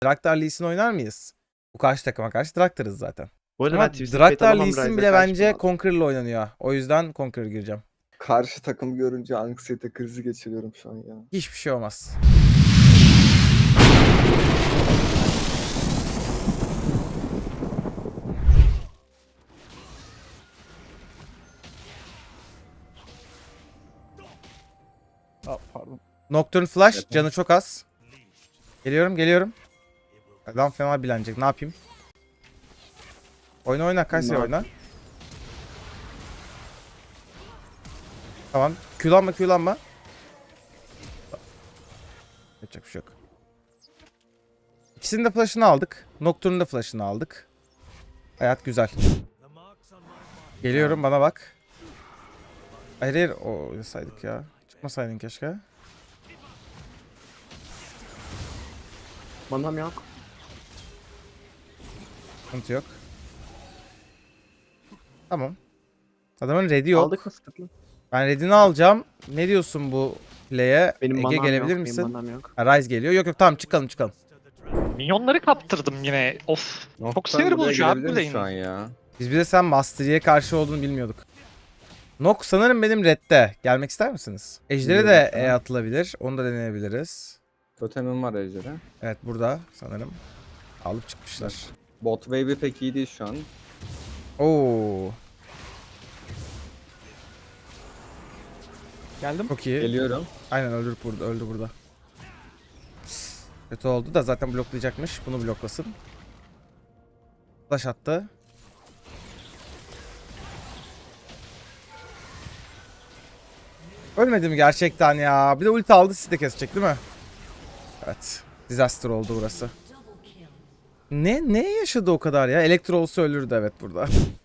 Draktar Lee Sin oynar mıyız? Bu karşı takıma karşı Draktar'ız zaten. Bu arada Ama ben Twisted Draktar Fate alamam, Lee Sin Ryze'a bile karşı bence kullandım. Conqueror'la oynanıyor. O yüzden Conqueror gireceğim. Karşı takım görünce anksiyete krizi geçiriyorum şu an ya. Hiçbir şey olmaz. Pardon. Nocturne Flash Evet. canı çok az. Geliyorum. Adam fena bilenecek. Ne yapayım? Oyna Kayseri Ne oyna. Tamam. Q'lanma. Yapacak bir şey yok. İkisinin de flash'ını aldık. Nocturne'un da flash'ını aldık. Hayat güzel. Geliyorum, bana bak. Hayır. O saydık ya. Çıkmasaydın keşke. Manam yok. Sıkıntı yok. Tamam. Adamın ready yok. Aldık mı sıkıntı? Ben ready'ni alacağım. Ne diyorsun bu play'e? Benim Ege manam gelebilir yok. misin? Benim manam yok. Ha, Ryze geliyor. Yok tamam çıkalım. Minyonları kaptırdım yine. Of. Çok Noktan sinir buraya bozucu abi bu gelebilir mi şu an lane. ya? Biz bir de sen Mastery'e karşı olduğunu bilmiyorduk. Nok sanırım benim redde. Gelmek ister misiniz? Ejder'e de Geliyorum sana. atılabilir. Onu da deneyebiliriz. Totemim var Ejder'e. Evet burada sanırım. Alıp çıkmışlar. Bot wave'i pek iyi değil şu an. Oo, Geldim. çok iyi. Geliyorum. Aynen öldü burada. Kötü oldu da zaten bloklayacakmış. Bunu bloklasın. Flash attı. Ölmedi mi gerçekten ya? Bir de ulti aldı, sizi de kesecek değil mi? Evet. Disaster oldu burası. Ne yaşadı o kadar ya? Elektro olsa ölürdü evet burada.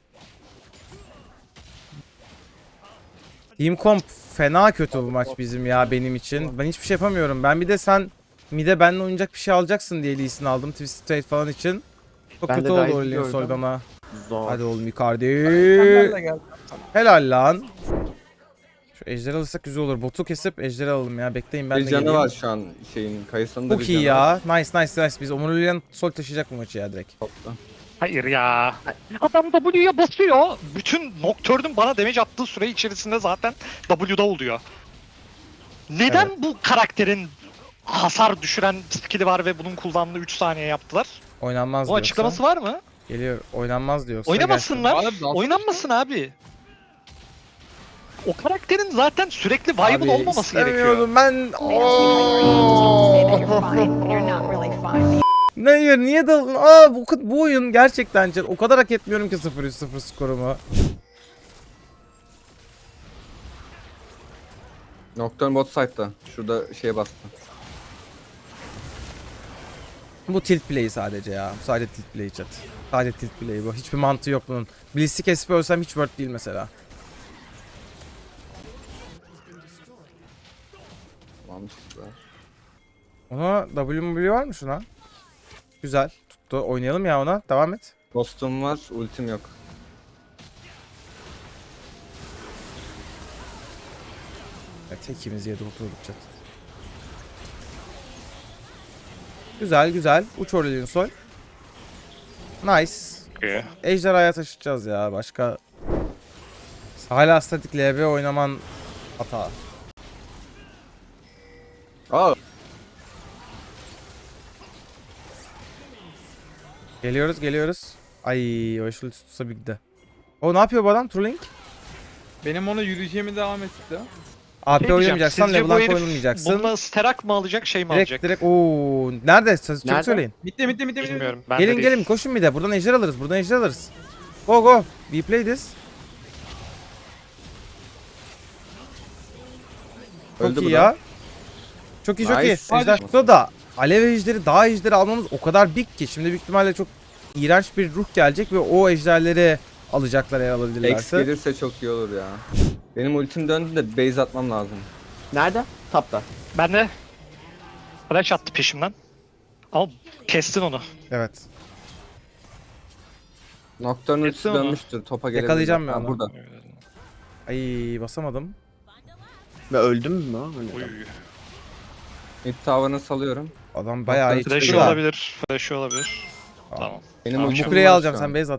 Team Comp fena kötü bu maç bizim ya benim için. Ben hiçbir şey yapamıyorum. Ben bir de sen mid'e benimle oynayacak bir şey alacaksın diye Lee Sin'i aldım. Twisted Fate falan için. Çok Ben kötü de oldu Ryze'ı o Leon Sol gördüm. bana. Zor. Hadi oğlum Icardi. Ben de geldim. Helal lan. Şu ejderi alırsak güzel olur. Botu kesip ejderi alalım ya. Bekleyin ben Bir de canı geleyim. var şu an şeyin. Kayısının da bir Çok iyi canı var. ya. Nice. Biz Omurilian Sol taşıyacak bu maçı ya direkt. Topla. Hayır ya. Adam W'ya basıyor. Bütün Nocturne'un bana damage attığı süre içerisinde zaten W'da oluyor. Neden bu karakterin hasar düşüren skill'i var ve bunun kullanımını 3 saniye yaptılar? Oynanmaz O diyorsa. açıklaması var mı? Geliyor. Oynanmaz diyorsa. Oynamasınlar. Abi, nasıl- Oynanmasın abi. O karakterin zaten sürekli viable Abi, olmaması gerekiyor. istemiyordum ben. Hayır niye daldın? Bu oyun gerçekten o kadar hak etmiyorum ki 0-3-0 skorumu. Nocturne bot side'da. Şurada şeye bastı. Bu tilt play sadece ya. Sadece tilt play chat. Sadece tilt play bu. Hiçbir mantığı yok bunun. Blitz'i kesip ölsem hiç worth değil mesela. Tamam çıktılar. Ona W var mı şuna? Güzel. Tuttu. Oynayalım ya ona. Devam et. Ghost'um var, ultim yok. Evet, tekimiz yedi oturduk chat. Güzel. Uç Aurelion Sol. Nice. Ejderhaya taşıyacağız ya. Başka... Hala statik LB oynaman hata. Aa! Geliyoruz. Ay o eşli tutsa bir de. O ne yapıyor bu adam? Trolling? Benim ona yürüyeceğimi devam etti. AP Şey diyeceğim, oynamayacaksan sizce bu LeBlanc herif oynamayacaksın. bununla sterak mı alacak şey mi alacak? Direkt ooo. Nerede? Çabuk Nerede? söyleyin. Bitti. Bilmiyorum. Ben de değil. Gelin koşun bir de. Buradan ejder alırız. Go. We play this. Çok Öldü iyi bu ya. da. Çok iyi. Nice. Ejder tutsa da alev ejderi, dağ ejderi almamız o kadar big ki. Şimdi büyük ihtimalle çok iğrenç bir ruh gelecek ve o ejderleri alacaklar eğer X alabilirlerse. gelirse çok iyi olur ya. Benim ultim döndü de base atmam lazım. Nerede? Tapta. Ben de flash attı peşimden. Ama kestin onu. Evet. Nocturne ultisi Kesin ama. dönmüştür. Topa gelebilir. Yakalayacağım ben Ha, onu. burada. Ay basamadım. Ve öldüm mü? Uy. Öyle. Mid tower'ını salıyorum. Adam bayağı iyi Flash'ı çıktı da. olabilir. Flash'ı olabilir. Tamam. Benim Tamam, ultim Mukure'yi var alacağım şu sen an. base at.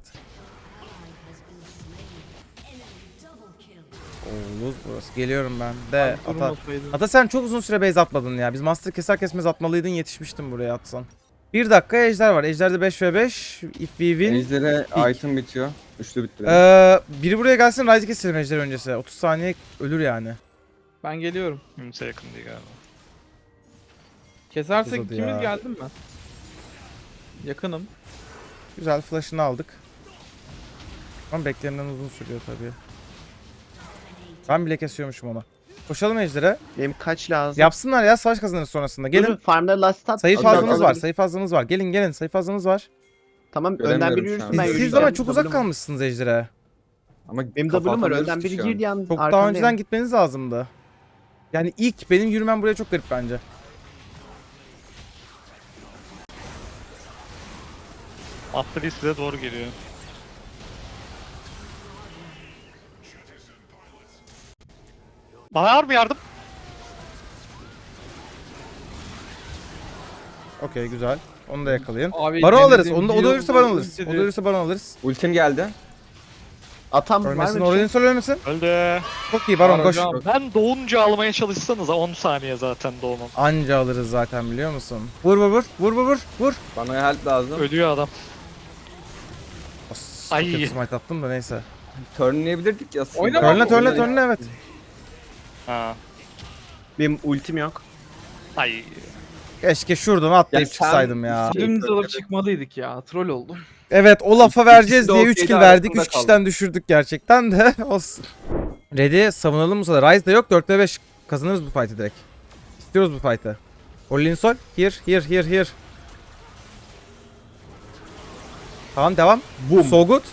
Oo, lose burası. Geliyorum ben de. Ata. Durmasaydım. Ata sen çok uzun süre base atmadın ya. Biz master keser kesmez atmalıydın, yetişmiştim buraya atsan. 1 dakika ejder var. Ejder'de 5v5. If we win. Ejder'e item bitiyor. Üçlü bitti. Biri buraya gelsin, Ryze'i keselim ejder öncesi. 30 saniye ölür yani. Ben geliyorum. Kimse yakın değil galiba. Kesersek Uzadı ikimiz ya. geldim mi? Yakınım. Güzel flash'ını aldık. Ama beklenenden uzun sürüyor tabii. Ben bile kesiyormuşum onu. Koşalım ejder'e. Benim kaç lazım? Yapsınlar ya, savaş kazanırız sonrasında. Gelin. Durun, farmları last stat. Sayı Alacağım, fazlamız var, alabilirim. sayı fazlamız var. Gelin sayı fazlamız var. Tamam Göremiyorum önden şu biri an. yürüsün Siz- ben Siz yürüyeceğim. ama çok uzak W'm var. kalmışsınız ejder'e. Ama Benim kafa W'm var atamıyoruz önden ki biri şu an. girdi yalnız Çok daha arkandayım. önceden gitmeniz lazımdı. Yani ilk benim yürümem buraya çok garip bence. Atlı size doğru geliyor. Bana var mı yardım? Okey güzel. Onu da yakalayın. Abi, Baron alırız. denediğim Onu da, o da bir ölürse yol baron alırız. dedi. O da ölürse baron alırız. Ultim geldi. Atam var Ölmesin. mı? bir şey? Orion sol ölmesin. Öldü. Çok iyi baron Var koş. hocam. Ben doğunca almaya çalışsanız 10 saniye zaten doğmam. Anca alırız zaten biliyor musun? Vur vur vur. Vur vur vur. Vur. Bana help lazım. Ölüyor adam. Ay. Ay. Kötü smite attım da neyse. Turnlayabilirdik ya aslında. Oynama. Törnle törnle Oynayın. törnle evet. Ha. Benim ultim yok. Ay. Keşke şuradan atlayıp Ya sen- çıksaydım ya. Şey, Dümdüz alıp evet. çıkmalıydık ya. Troll oldum. Evet o lafa vereceğiz İkisi de diye o 3 kill şeyde verdik. arasında 3 kişiden kaldı. düşürdük gerçekten de olsun. Ready savunalım bu sefer. Ryze de yok. 4'te 5 kazanırız bu fight'ı direkt. İstiyoruz bu fight'ı. Orlin sol. Here. Tamam devam. Boom. So good.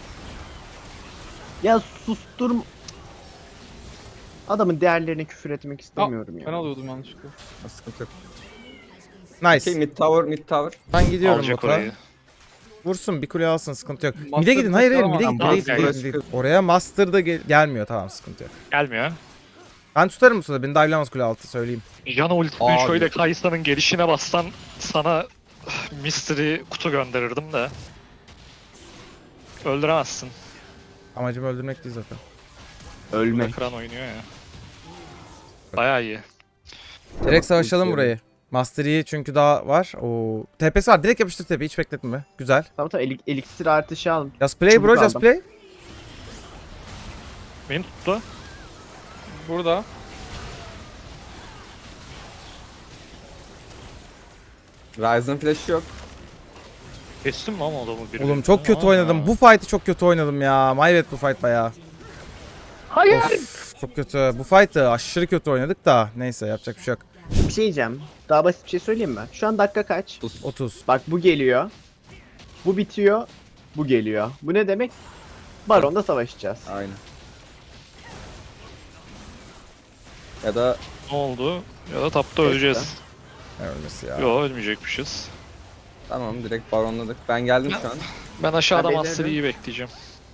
Ya susturm... Adamın değerlerine küfür etmek istemiyorum Ben ya. alıyordum yanlışlıkla. Sıkıntı yok. Nice. Şey mid tower. Ben gidiyorum Alacak bota. orayı. Vursun bir kule alsın sıkıntı yok. Master Mid'e gidin. Hayır tekrar mid'e ama- gidin. Tamam, Mid'e gel. gidin. Oraya master da gelmiyor tamam sıkıntı yok. Gelmiyor. Ben tutarım bu sırada. Beni dive'lamaz kule altı söyleyeyim. Jana ultimi Abi. şöyle Kaysa'nın gelişine bassan sana mystery kutu gönderirdim de. Öldüremezsin. Amacım öldürmek değil zaten. Ölmek. Kıran oynuyor ya. Bayağı iyi. Direkt savaşalım ulti burayı. Master Yi çünkü daha var. Oo. TP'si var. Direkt yapıştır TP'yi. Hiç bekletme. Güzel. Tamam eliksir artışı al. Just play Çubuk bro. Just aldım. play. Beni tuttu. Burada. Ryzen flash'ı yok. Kestim mi ama adamı bir? Oğlum çok kötü oynadım. Bu fight'ı çok kötü oynadım ya. Maybet bu fight bayağı. Hayır. Of, çok kötü. Bu fight'ı aşırı kötü oynadık da. Neyse yapacak bir şey yok. Bir şey diyeceğim. Daha basit bir şey söyleyeyim mi? Şu an dakika kaç? 30. Bak bu geliyor. Bu bitiyor. Bu geliyor. Bu ne demek? Baron'da savaşacağız. Aynen. Ya da Ne oldu? Ya da tapta öleceğiz. Ne ölmesi ya. Yo ölmeyecekmişiz. tamam direkt baronladık. Ben geldim şu an. Ben aşağıda Ben Master beklerim. Yi'yi bekleyeceğim.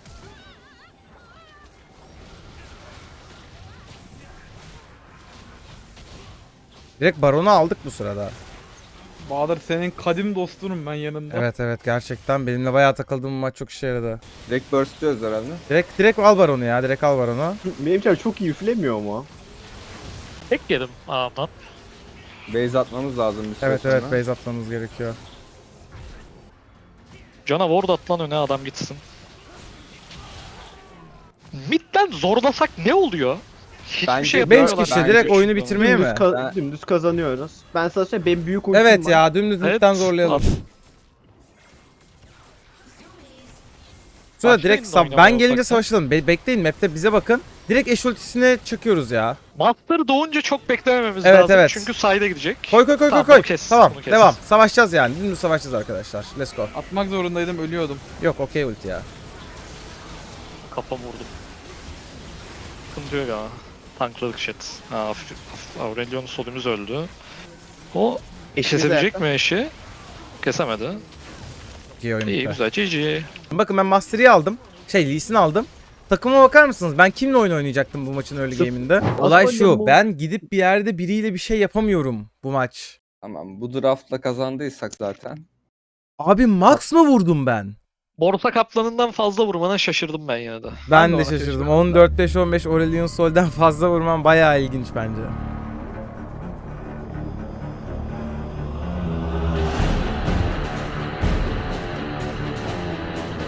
Direkt Baron'u aldık bu sırada. Bahadır senin kadim dostunum ben yanında. Evet gerçekten benimle bayağı takıldığım maç çok işe yaradı. Direkt burst'luyoruz herhalde. Direkt al Baron'u ya. Direkt al Baron'u. Benim çar çok iyi üflemiyor mu? Tek yedim ağamdan. Base atmamız lazım bir süre Evet sonra. base atmamız gerekiyor. Cana ward at lan öne adam gitsin. Mid'den zorlasak ne oluyor? Hiçbir Bence şey beş yapamıyorlar. kişi bence direkt şu oyunu an. bitirmeye mi? Dümdüz kazanıyoruz. Ben sana söyleyeyim benim büyük ultim Evet var. ya dümdüz Evet. midden zorlayalım. Sonra Başlayın direkt da oynamaya ben gelince ufaktan. savaşalım. Bekleyin map'te bize bakın. Direkt eş ultisine çakıyoruz ya. Master doğunca çok beklemememiz Evet, lazım evet. çünkü side'e gidecek. Koy Tamam, koy. bunu kes, Tamam bunu kes. devam. Savaşacağız yani. Dümdüz savaşacağız arkadaşlar. Let's go. Atmak zorundaydım ölüyordum. Yok okey ulti ya. Kafam vurdum. Sıkıntı yok ya. Tankladık shit. Ha, Aurelion'un solumuz öldü. O Eşiniz kesebilecek ayakta. mi eşi? Kesemedi. Çok iyi oyun İyi bitti. güzel GG. Bakın ben Master Yi aldım. Lee Sin aldım. Takıma bakar mısınız? Ben kimle oyun oynayacaktım bu maçın early game'inde? Olay şu. oynadım bu? Ben gidip bir yerde biriyle bir şey yapamıyorum bu maç. Tamam, bu draftla kazandıysak zaten. Abi max mı vurdum ben? Borsa kaplanından fazla vurmana şaşırdım ben yine de. Ben de de ona şaşırdım. şaşırdım. 14-5-15 Aurelion Sol'den fazla vurman bayağı ilginç bence.